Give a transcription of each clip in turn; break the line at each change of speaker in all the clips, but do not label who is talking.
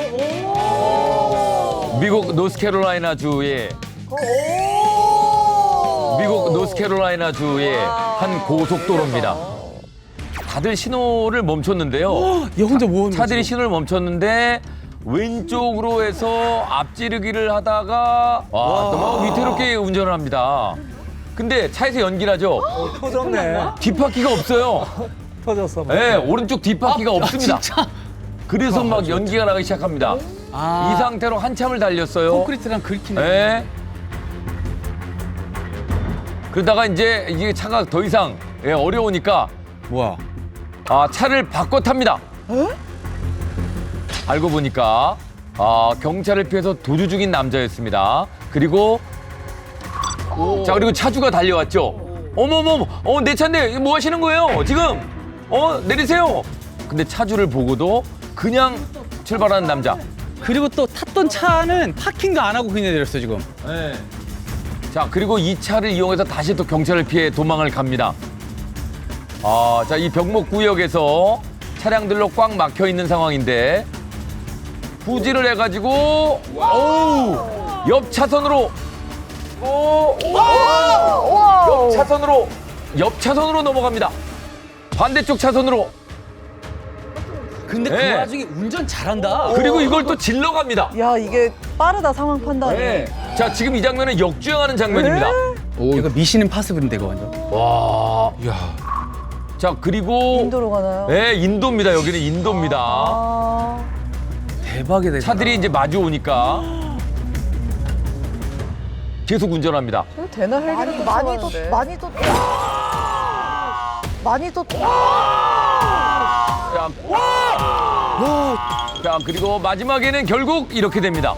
미국 노스캐롤라이나주의 한 고속도로입니다. 다들 신호를 멈췄는데요.
얘 혼자 뭐 하는
차들이 신호를 멈췄는데 왼쪽으로 해서 앞지르기를 하다가 또 막 위태롭게 운전을 합니다. 근데 차에서 연기를 하죠.
터졌네.
뒷바퀴가 없어요.
터졌어.
네, 오른쪽 뒷바퀴가 없습니다. 그래서 막 연기가 나기 시작합니다. 이 상태로 한참을 달렸어요.
콘크리트랑 긁히네.
네. 그러다가 이제 이게 차가 더 이상 어려우니까
뭐야?
차를 바꿔 탑니다. 알고 보니까 경찰을 피해서 도주 중인 남자였습니다. 그리고 그리고 차주가 달려왔죠. 어머머머, 내 차인데 뭐 하시는 거예요? 지금 내리세요. 근데 차주를 보고도 그냥 출발하는 남자.
그리고 또 탔던 차는 파킹도 안 하고 그냥 내렸어 지금.
네. 자, 그리고 이 차를 이용해서 다시 또 경찰을 피해 도망을 갑니다. 자, 이 병목구역에서 차량들로 꽉 막혀 있는 상황인데 후진을 해가지고 옆 차선으로 옆 차선으로 넘어갑니다. 반대쪽 차선으로.
근데
네.
그 와중에 운전 잘한다.
그리고 이걸 또 질러 갑니다.
야, 이게 빠르다, 상황 판단이.
네. 자, 지금 이 장면은 역주행하는 장면입니다.
이거 미신 임파서블인데 이거 완전.
와.
야.
자, 그리고
인도로 가나요?
네, 인도입니다. 여기는 인도입니다.
대박이다.
차들이 이제 마주 오니까 계속 운전합니다.
이거 되나 헬기를 많이도
자, 그리고 마지막에는 결국 이렇게 됩니다.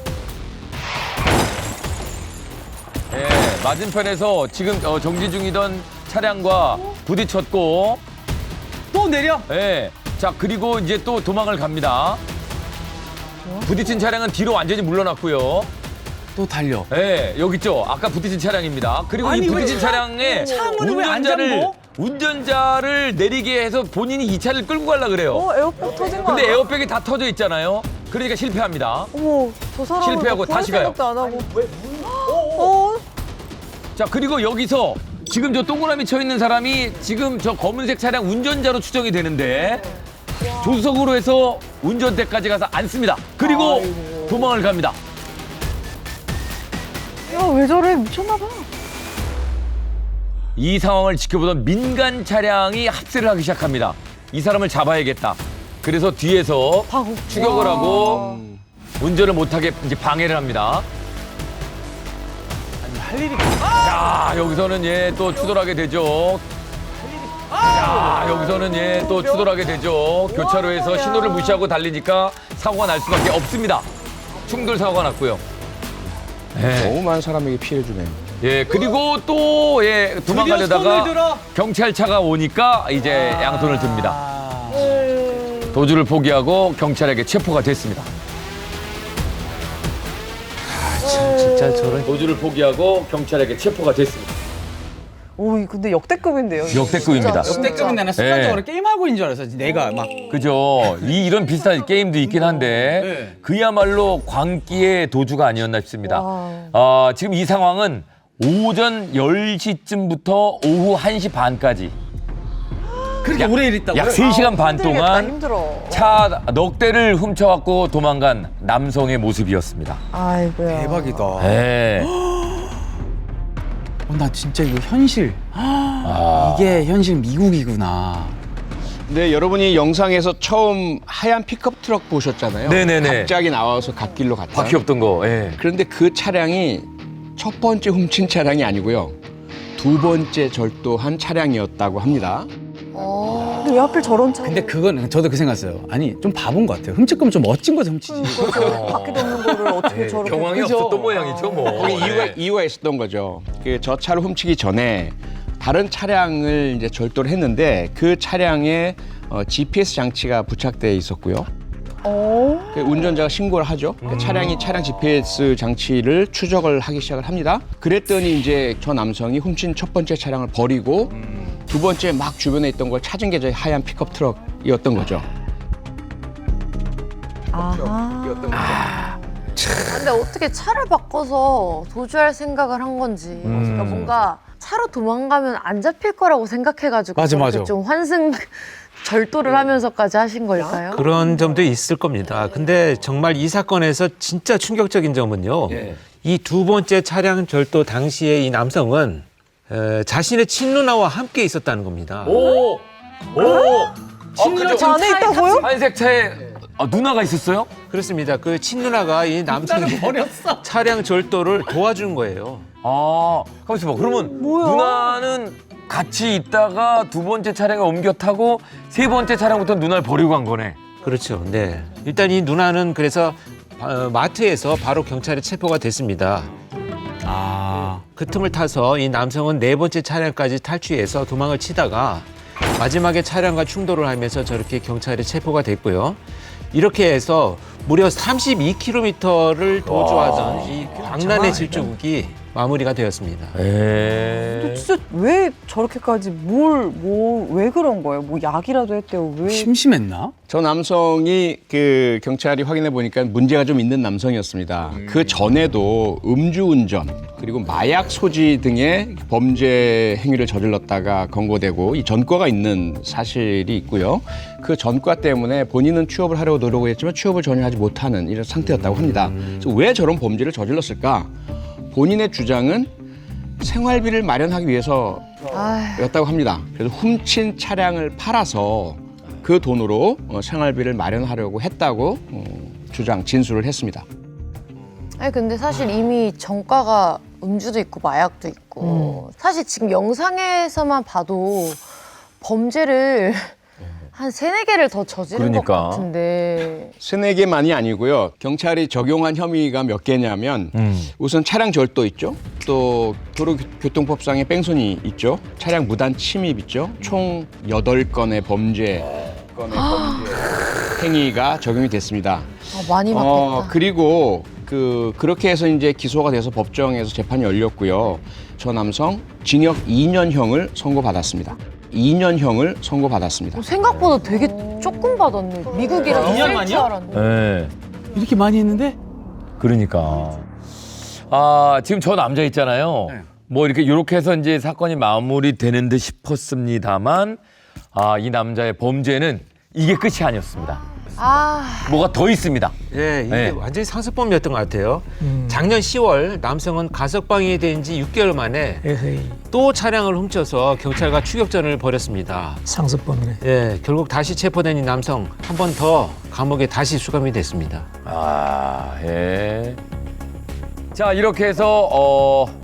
네, 맞은편에서 지금 정지 중이던 차량과 부딪혔고,
또 내려.
네, 자, 그리고 이제 또 도망을 갑니다. 부딪힌 차량은 뒤로 완전히 물러났고요.
또 달려.
네, 여기 있죠. 아까 부딪힌 차량입니다. 그리고
아니,
이
왜
부딪힌 차량에
창문을 왜 안 잠궈?
운전자를 내리게 해서 본인이 이 차를 끌고 가려고 그래요.
에어백 터진 거
근데
아니야?
에어백이 다 터져 있잖아요. 그러니까 실패합니다.
어머, 저 사람은
실패하고 다시 가요.
생각도 안 하고.
자, 그리고 여기서 지금 저 동그라미 쳐 있는 사람이 지금 저 검은색 차량 운전자로 추정이 되는데 조수석으로 해서 운전대까지 가서 앉습니다. 그리고 도망을 갑니다.
야, 왜 저래? 미쳤나 봐.
이 상황을 지켜보던 민간 차량이 합세를 하기 시작합니다. 이 사람을 잡아야겠다. 그래서 뒤에서 추격을 하고 운전을 못하게 이제 방해를 합니다.
할 일이.
자, 여기서는 또 추돌하게 되죠. 자, 여기서는 또 추돌하게 되죠. 교차로에서 신호를 무시하고 달리니까 사고가 날 수밖에 없습니다. 충돌 사고가 났고요. 네.
너무 많은 사람에게 피해를 주네요.
그리고 또 도망가려다가
손을 들어.
경찰차가 오니까 이제 양손을 듭니다. 도주를 포기하고 경찰에게 체포가 됐습니다.
진짜 저런.
도주를 포기하고 경찰에게 체포가 됐습니다.
오, 근데 역대급인데요. 이거.
역대급입니다.
진짜.
역대급인데 나는 순간적으로 게임하고 있는 줄 알았어. 내가 막.
그죠. 이런 비슷한 게임도 있긴 한데
네.
그야말로 광기의 도주가 아니었나 싶습니다. 지금 이 상황은 오전 10시쯤부터 오후 1시 반까지
그렇게 오래 일했다고.
약 3시간 반
힘들겠다,
동안
힘들어.
차 넉 대를 훔쳐갖고 도망간 남성의 모습이었습니다.
아이고야.
대박이다.
네.
나 진짜 이거 현실. 이게 현실 미국이구나.
근데 여러분이 영상에서 처음 하얀 픽업 트럭 보셨잖아요.
네네네.
갑자기 나와서 갓길로 갔다.
바퀴 없던 거. 예.
그런데 그 차량이 첫 번째 훔친 차량이 아니고요. 두 번째 절도한 차량이었다고 합니다.
근데 왜 하필 저런 차?
근데 그건 저도 그 생각했어요. 아니 좀 바본 것 같아요. 훔칠 거면 좀 멋진 거 훔치지.
바퀴도 없는 거를 어떻게 저렇게.
경황이
그죠?
없었던 모양이죠, 뭐.
거기
네.
이유가 있었던 거죠. 저 차를 훔치기 전에 다른 차량을 이제 절도를 했는데 그 차량에 GPS 장치가 부착돼 있었고요. 그 운전자가 신고를 하죠. 그 차량 GPS 장치를 추적을 하기 시작을 합니다. 그랬더니 이제 저 남성이 훔친 첫 번째 차량을 버리고 두 번째 막 주변에 있던 걸 찾은 게 저 하얀 픽업 트럭이었던 거죠.
아하.
근데 어떻게 차를 바꿔서 도주할 생각을 한 건지. 그러니까 뭔가 차로 도망가면 안 잡힐 거라고 생각해가지고
맞아,
그렇게
맞아.
좀 환승 절도를 하면서까지 하신 걸까요?
그런 점도 있을 겁니다. 근데 정말 이 사건에서 진짜 충격적인 점은요. 이 두 번째 차량 절도 당시에 이 남성은 자신의 친누나와 함께 있었다는 겁니다.
오!
친누나 차 안에 있다고요?
한색 차에 누나가 있었어요?
그렇습니다. 그 친누나가 이 남성의 차량 절도를 도와준 거예요.
가만있어 봐. 그러면
뭐야?
누나는 같이 있다가 두 번째 차량에 옮겨 타고 세 번째 차량부터 누나를 버리고 간 거네.
그렇죠. 네. 일단 이 누나는 그래서 마트에서 바로 경찰에 체포가 됐습니다. 그 틈을 타서 이 남성은 네 번째 차량까지 탈취해서 도망을 치다가 마지막에 차량과 충돌을 하면서 저렇게 경찰에 체포가 됐고요. 이렇게 해서 무려 32km를 도주하던 이 광란의 질주국이 마무리가 되었습니다.
근데 진짜 왜 저렇게까지 왜 그런 거예요? 뭐 약이라도 했대요. 왜?
심심했나?
저 남성이 그 경찰이 확인해 보니까 문제가 좀 있는 남성이었습니다. 그 전에도 음주운전 그리고 마약 소지 등의 범죄 행위를 저질렀다가 검거되고 이 전과가 있는 사실이 있고요. 그 전과 때문에 본인은 취업을 하려고 노력을 했지만 취업을 전혀 하지 못하는 이런 상태였다고 합니다. 그래서 왜 저런 범죄를 저질렀을까? 본인의 주장은 생활비를 마련하기 위해서였다고 합니다. 그래서 훔친 차량을 팔아서 그 돈으로 생활비를 마련하려고 했다고 진술을 했습니다.
아니 근데 사실 이미 전과가 음주도 있고 마약도 있고 사실 지금 영상에서만 봐도 범죄를 한 3-4개를 더 저지른 것
그러니까.
같은데.
3-4개만이 아니고요. 경찰이 적용한 혐의가 몇 개냐면 우선 차량 절도 있죠. 또 도로교통법상의 뺑소니 있죠. 차량 무단 침입 있죠. 총 8건의 범죄 행위가 적용이 됐습니다.
많이 맞겠다.
그리고 그렇게 해서 이제 기소가 돼서 법정에서 재판이 열렸고요. 저 남성 징역 2년형을 선고받았습니다. 2년형을 선고받았습니다.
생각보다 되게 조금 받았네. 미국이라서
2년만이요?
셀줄 알았네.
네.
이렇게 많이 했는데?
그러니까. 지금 저 남자 있잖아요.
네.
뭐 이렇게 해서 이제 사건이 마무리되는 듯 싶었습니다만, 이 남자의 범죄는 이게 끝이 아니었습니다. 뭐가 더 있습니다.
예, 이게
네.
완전히 상습범이었던 것 같아요. 작년 10월 남성은 가석방이 된 지 6개월 만에 또 차량을 훔쳐서 경찰과 추격전을 벌였습니다.
상습범이네.
예, 결국 다시 체포된 이 남성 한 번 더 감옥에 다시 수감이 됐습니다.
예. 자, 이렇게 해서